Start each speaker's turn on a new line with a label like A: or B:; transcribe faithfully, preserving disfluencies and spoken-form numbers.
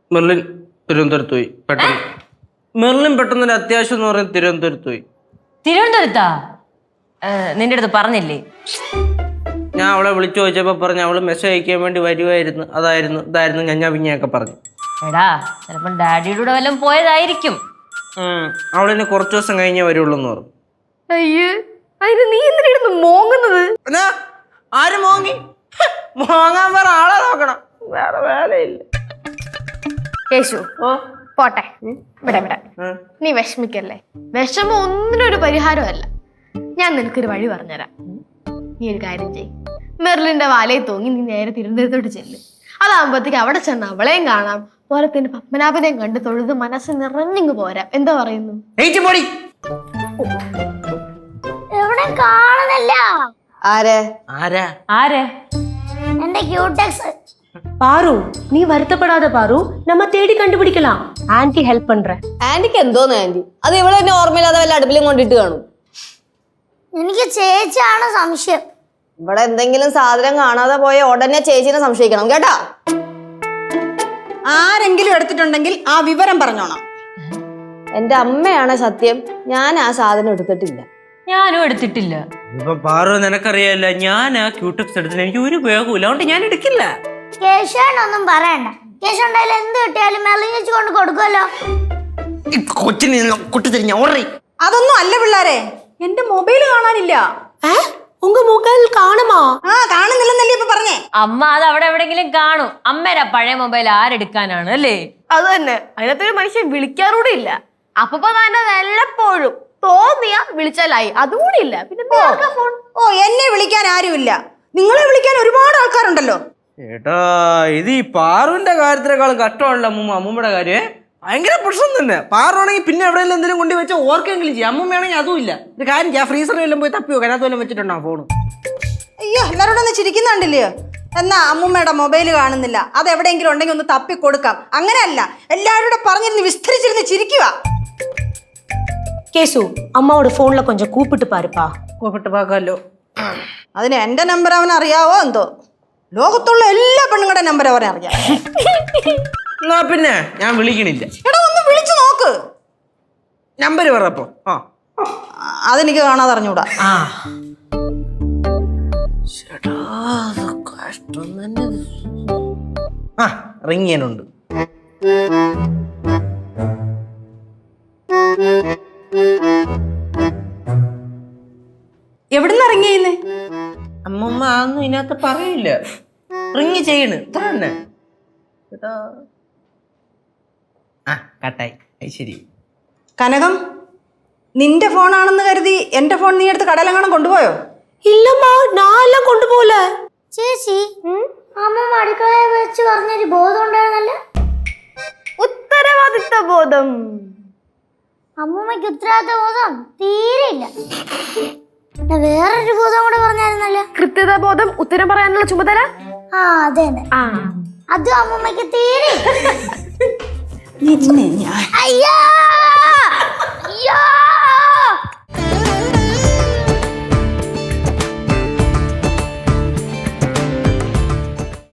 A: Merlin തിരുവനന്തപുരത്ത് പോയി പെട്ടെന്ന്. മെർലിൻ പെട്ടെന്ന് ഒരു അത്യാവശ്യം എന്ന് പറയുന്നത് തിരുവനന്തപുരത്ത് പോയി.
B: തിരുവനന്തപുരത്താ? നിന്റെ അടുത്ത് പറഞ്ഞില്ലേ?
A: ഞാൻ അവളെ വിളിച്ചു ചോദിച്ചപ്പോ പറഞ്ഞു അവള് മെസ്സേജ് അയക്കാൻ വേണ്ടി വരുമായിരുന്നു, അതായിരുന്നു ഇതായിരുന്നു ഞഞ്ഞാ പിഞ്ഞയൊക്കെ പറഞ്ഞു.
B: എടാ ചിലപ്പം ഡാഡിയുടെ കൂടെ വല്ലതും പോയതായിരിക്കും.
A: അവളിന് കുറച്ചു ദിവസം കഴിഞ്ഞേ വരുള്ളൂ എന്ന് പറഞ്ഞു.
C: അയ്യേ, അതിന് നീ എന്തിനായിരുന്നു മോങ്ങുന്നത്?
A: ആര് മോങ്ങി? മോങ്ങാൻ വേറെ ആളെ നോക്കണം, വേറെ വേലയില്ല.
C: യേശു പോട്ടെ, ഇവിടെ ഇവിടെ നീ വിഷമിക്കല്ലേ. വിഷമം ഒന്നിനൊരു പരിഹാരമല്ല. ഞാൻ നിനക്കൊരു വഴി പറഞ്ഞുതരാം. നീ ഒരു കാര്യം ചെയ്യ്, മെർലിന്റെ വാലയിൽ തൂങ്ങി നീ നേരെ തിരുവനന്തപുരത്തോട്ട് ചെല്ലും. അതാകുമ്പോഴത്തേക്ക് അവിടെ ചെന്ന് അവളെയും കാണാം, പോലത്തിന്റെ പത്മനാഭനെയും കണ്ട് തൊഴുത് മനസ്സ് നിറഞ്ഞിങ്ങ് പോരാം. എന്താ പറയുന്നു?
D: എവിടെ കാണുന്നില്ല.
E: ആരെ
A: ആരാ
B: ആരെ?
D: എന്റെ ക്യൂടെക്സ്.
F: பாரு நீ வருத்தப்படாத பாரு, நம்ம தேடி கண்டுபிடிக்கலாம். ஆன்ட்டி ஹெல்ப் பண்றேன்.
E: ആന്റിക്ക് എന്തോന്ന് ആന്റി? അത് ഇവിടെ തന്നെ ഓർമ്മയില്ലാതെ വല്ല അടുപ്പിലും കൊണ്ടിട്ട് കാണും.
D: എനിക്ക് ചേച്ചിയാണ് സംശയം.
E: ഇവിടെ എന്തെങ്കിലും സാധനം കാണാതെ പോയ ഉടനെ ചേച്ചിനെ സംശയിക്കണം കേട്ടാ.
G: ആരെങ്കിലും എടുത്തിട്ടുണ്ടെങ്കിൽ ആ വിവരം പറഞ്ഞോണം.
E: എന്റെ അമ്മയാണ് സത്യം, ഞാൻ ആ സാധനം എടുത്തിട്ടില്ല.
B: ഞാനും എടുത്തിട്ടില്ല.
A: ഇപ്പൊ പാറു നിനക്കറിയാല്ല, ഞാൻ ആ ക്യൂടെക്സ് എടുത്തില്ല, എനിക്ക് ഒരു ഉപയോഗമില്ല, അതുകൊണ്ട് ഞാൻ എടുക്കില്ല.
D: കേശവനൊന്നും പറയണ്ട. കേശവ ഉണ്ടായാലും എന്ത് കിട്ടിയാലും മെർലിൻ ചേച്ചി കൊണ്ട് കൊടുക്കുമല്ലോ.
A: കൊച്ചിന് കുട്ടിത്തിരിഞ്ഞ ഓർറി.
G: അതൊന്നും അല്ല പിള്ളാരെ, എന്റെ മൊബൈൽ കാണാനില്ല.
F: உங்க மொபைல் காணுமா?
G: ആ കാണുന്നില്ലെന്നല്ലേ ഇപ്പൊ പറഞ്ഞേ.
B: അമ്മ അത് അവിടെ എവിടെങ്കിലും കാണും. അമ്മേരാ പഴയ മൊബൈൽ ആരെടുക്കാനാണ് അല്ലേ?
C: അത് തന്നെ, അതിനകത്തൊരു മനുഷ്യൻ വിളിക്കാറൂടെ ഇല്ല. അപ്പൊ തന്നെ വല്ലപ്പോഴും തോന്നിയ വിളിച്ചാലായി, അതുകൂടി ഇല്ല. പിന്നെ ഫോൺ.
G: ഓ, എന്നെ വിളിക്കാൻ ആരുമില്ല, നിങ്ങളെ വിളിക്കാൻ ഒരുപാട് ആൾക്കാരുണ്ടല്ലോ.
A: ഏട്ടാ, ഇത് ഈ പാറുവിന്റെ കാര്യത്തിനേക്കാളും കഷ്ടമാണല്ലോ അമ്മൂമ്മ. അമ്മൂമ്മയുടെ കാര്യം ഭയങ്കര പ്രശ്നം തന്നെ. പാറുവാണെങ്കിൽ പിന്നെ എവിടെയെങ്കിലും എന്തെങ്കിലും കൊണ്ടു വെച്ചാൽ ഓർക്കെങ്കിലും ചെയ്യും. അമ്മൂമ്മയാണെങ്കിൽ അതും ഇല്ല. ഒരു കാര്യം ചെയ്യാം, ഫ്രീസറിൽ എല്ലാം പോയി തപ്പി വെക്കാം, അതിനകത്ത് വല്ലതും വെച്ചിട്ടുണ്ടാവും ഫോൺ.
G: അയ്യോ, എല്ലാവരോടും ഒന്ന് ചിരിക്കുന്നുണ്ടല്ലയോ. എന്നാ അമ്മൂമ്മയുടെ മൊബൈൽ കാണുന്നില്ല, അത് എവിടെയെങ്കിലും ഉണ്ടെങ്കിൽ ഒന്ന് തപ്പി കൊടുക്കാം. അങ്ങനെയല്ല, എല്ലാവരോടും പറഞ്ഞിരുന്ന് വിസ്തരിച്ചിരുന്ന് ചിരിക്കുക.
F: கேசு அம்மாவோட போன்ல கொஞ்சம் கூப்பிட்டு பாருப்பா.
A: കൂപ്പിട്ട് പാക്കാമല്ലോ.
G: അതിന് എന്റെ നമ്പർ അവൻ അറിയാവോ എന്തോ? ലോകത്തുള്ള എല്ലാ പെണ്ണുങ്ങളുടെ നമ്പർ അവനെ അറിയാം.
A: എന്നാ പിന്നെ ഞാൻ വിളിക്കണില്ല.
G: എടാ, ഒന്ന് വിളിച്ചു നോക്ക്.
A: നമ്പർ പറയപ്പോ. ആ
G: അതെനിക്ക് കാണാതെ അറിഞ്ഞൂടാ.
A: ആ കഷ്ടം തന്നെ. ആ റിങ്ങിയനുണ്ട്.
G: എവിടുന്ന് ഇറങ്ങിയെന്ന്?
A: അമ്മമ്മ അതൊന്നും ഇതിനകത്ത് പറയില്ല. റിങ് ചെയ്യണ് ഇത്ര തന്നെ. ആ കട്ടായി. ശരി.
G: കനകം, നിന്റെ ഫോണാണെന്ന് കരുതി എന്റെ ഫോൺ നീ എടുത്ത് കടലെങ്ങാനും കൊണ്ടുപോയോ?
F: இல்லம்மா, நான் எல்லாம் கொண்டு போல.
D: ചേച്ചി, അമ്മ അടുക്കളയിൽ വെച്ച് പറഞ്ഞൊരു ബോധം ഉണ്ടായിരുന്നല്ലോ.
C: ഉത്തരവാദിത്ത ബോധം.
D: അമ്മൂമ്മയ്ക്ക് ഉത്തരവാദിത്ത ബോധം തീരെയില്ല. വേറൊരു ബോധം കൂടെ പറഞ്ഞായിരുന്നല്ലോ.
C: കൃത്യത ബോധം, ഉത്തരം പറയാനുള്ള ചുമതല.
D: ആ അതെ
C: ആ
D: അതും അമ്മൂമ്മയ്ക്ക് തീരെ.
G: നിന്നെ ഞാൻ
D: അയ്യോ അയ്യോ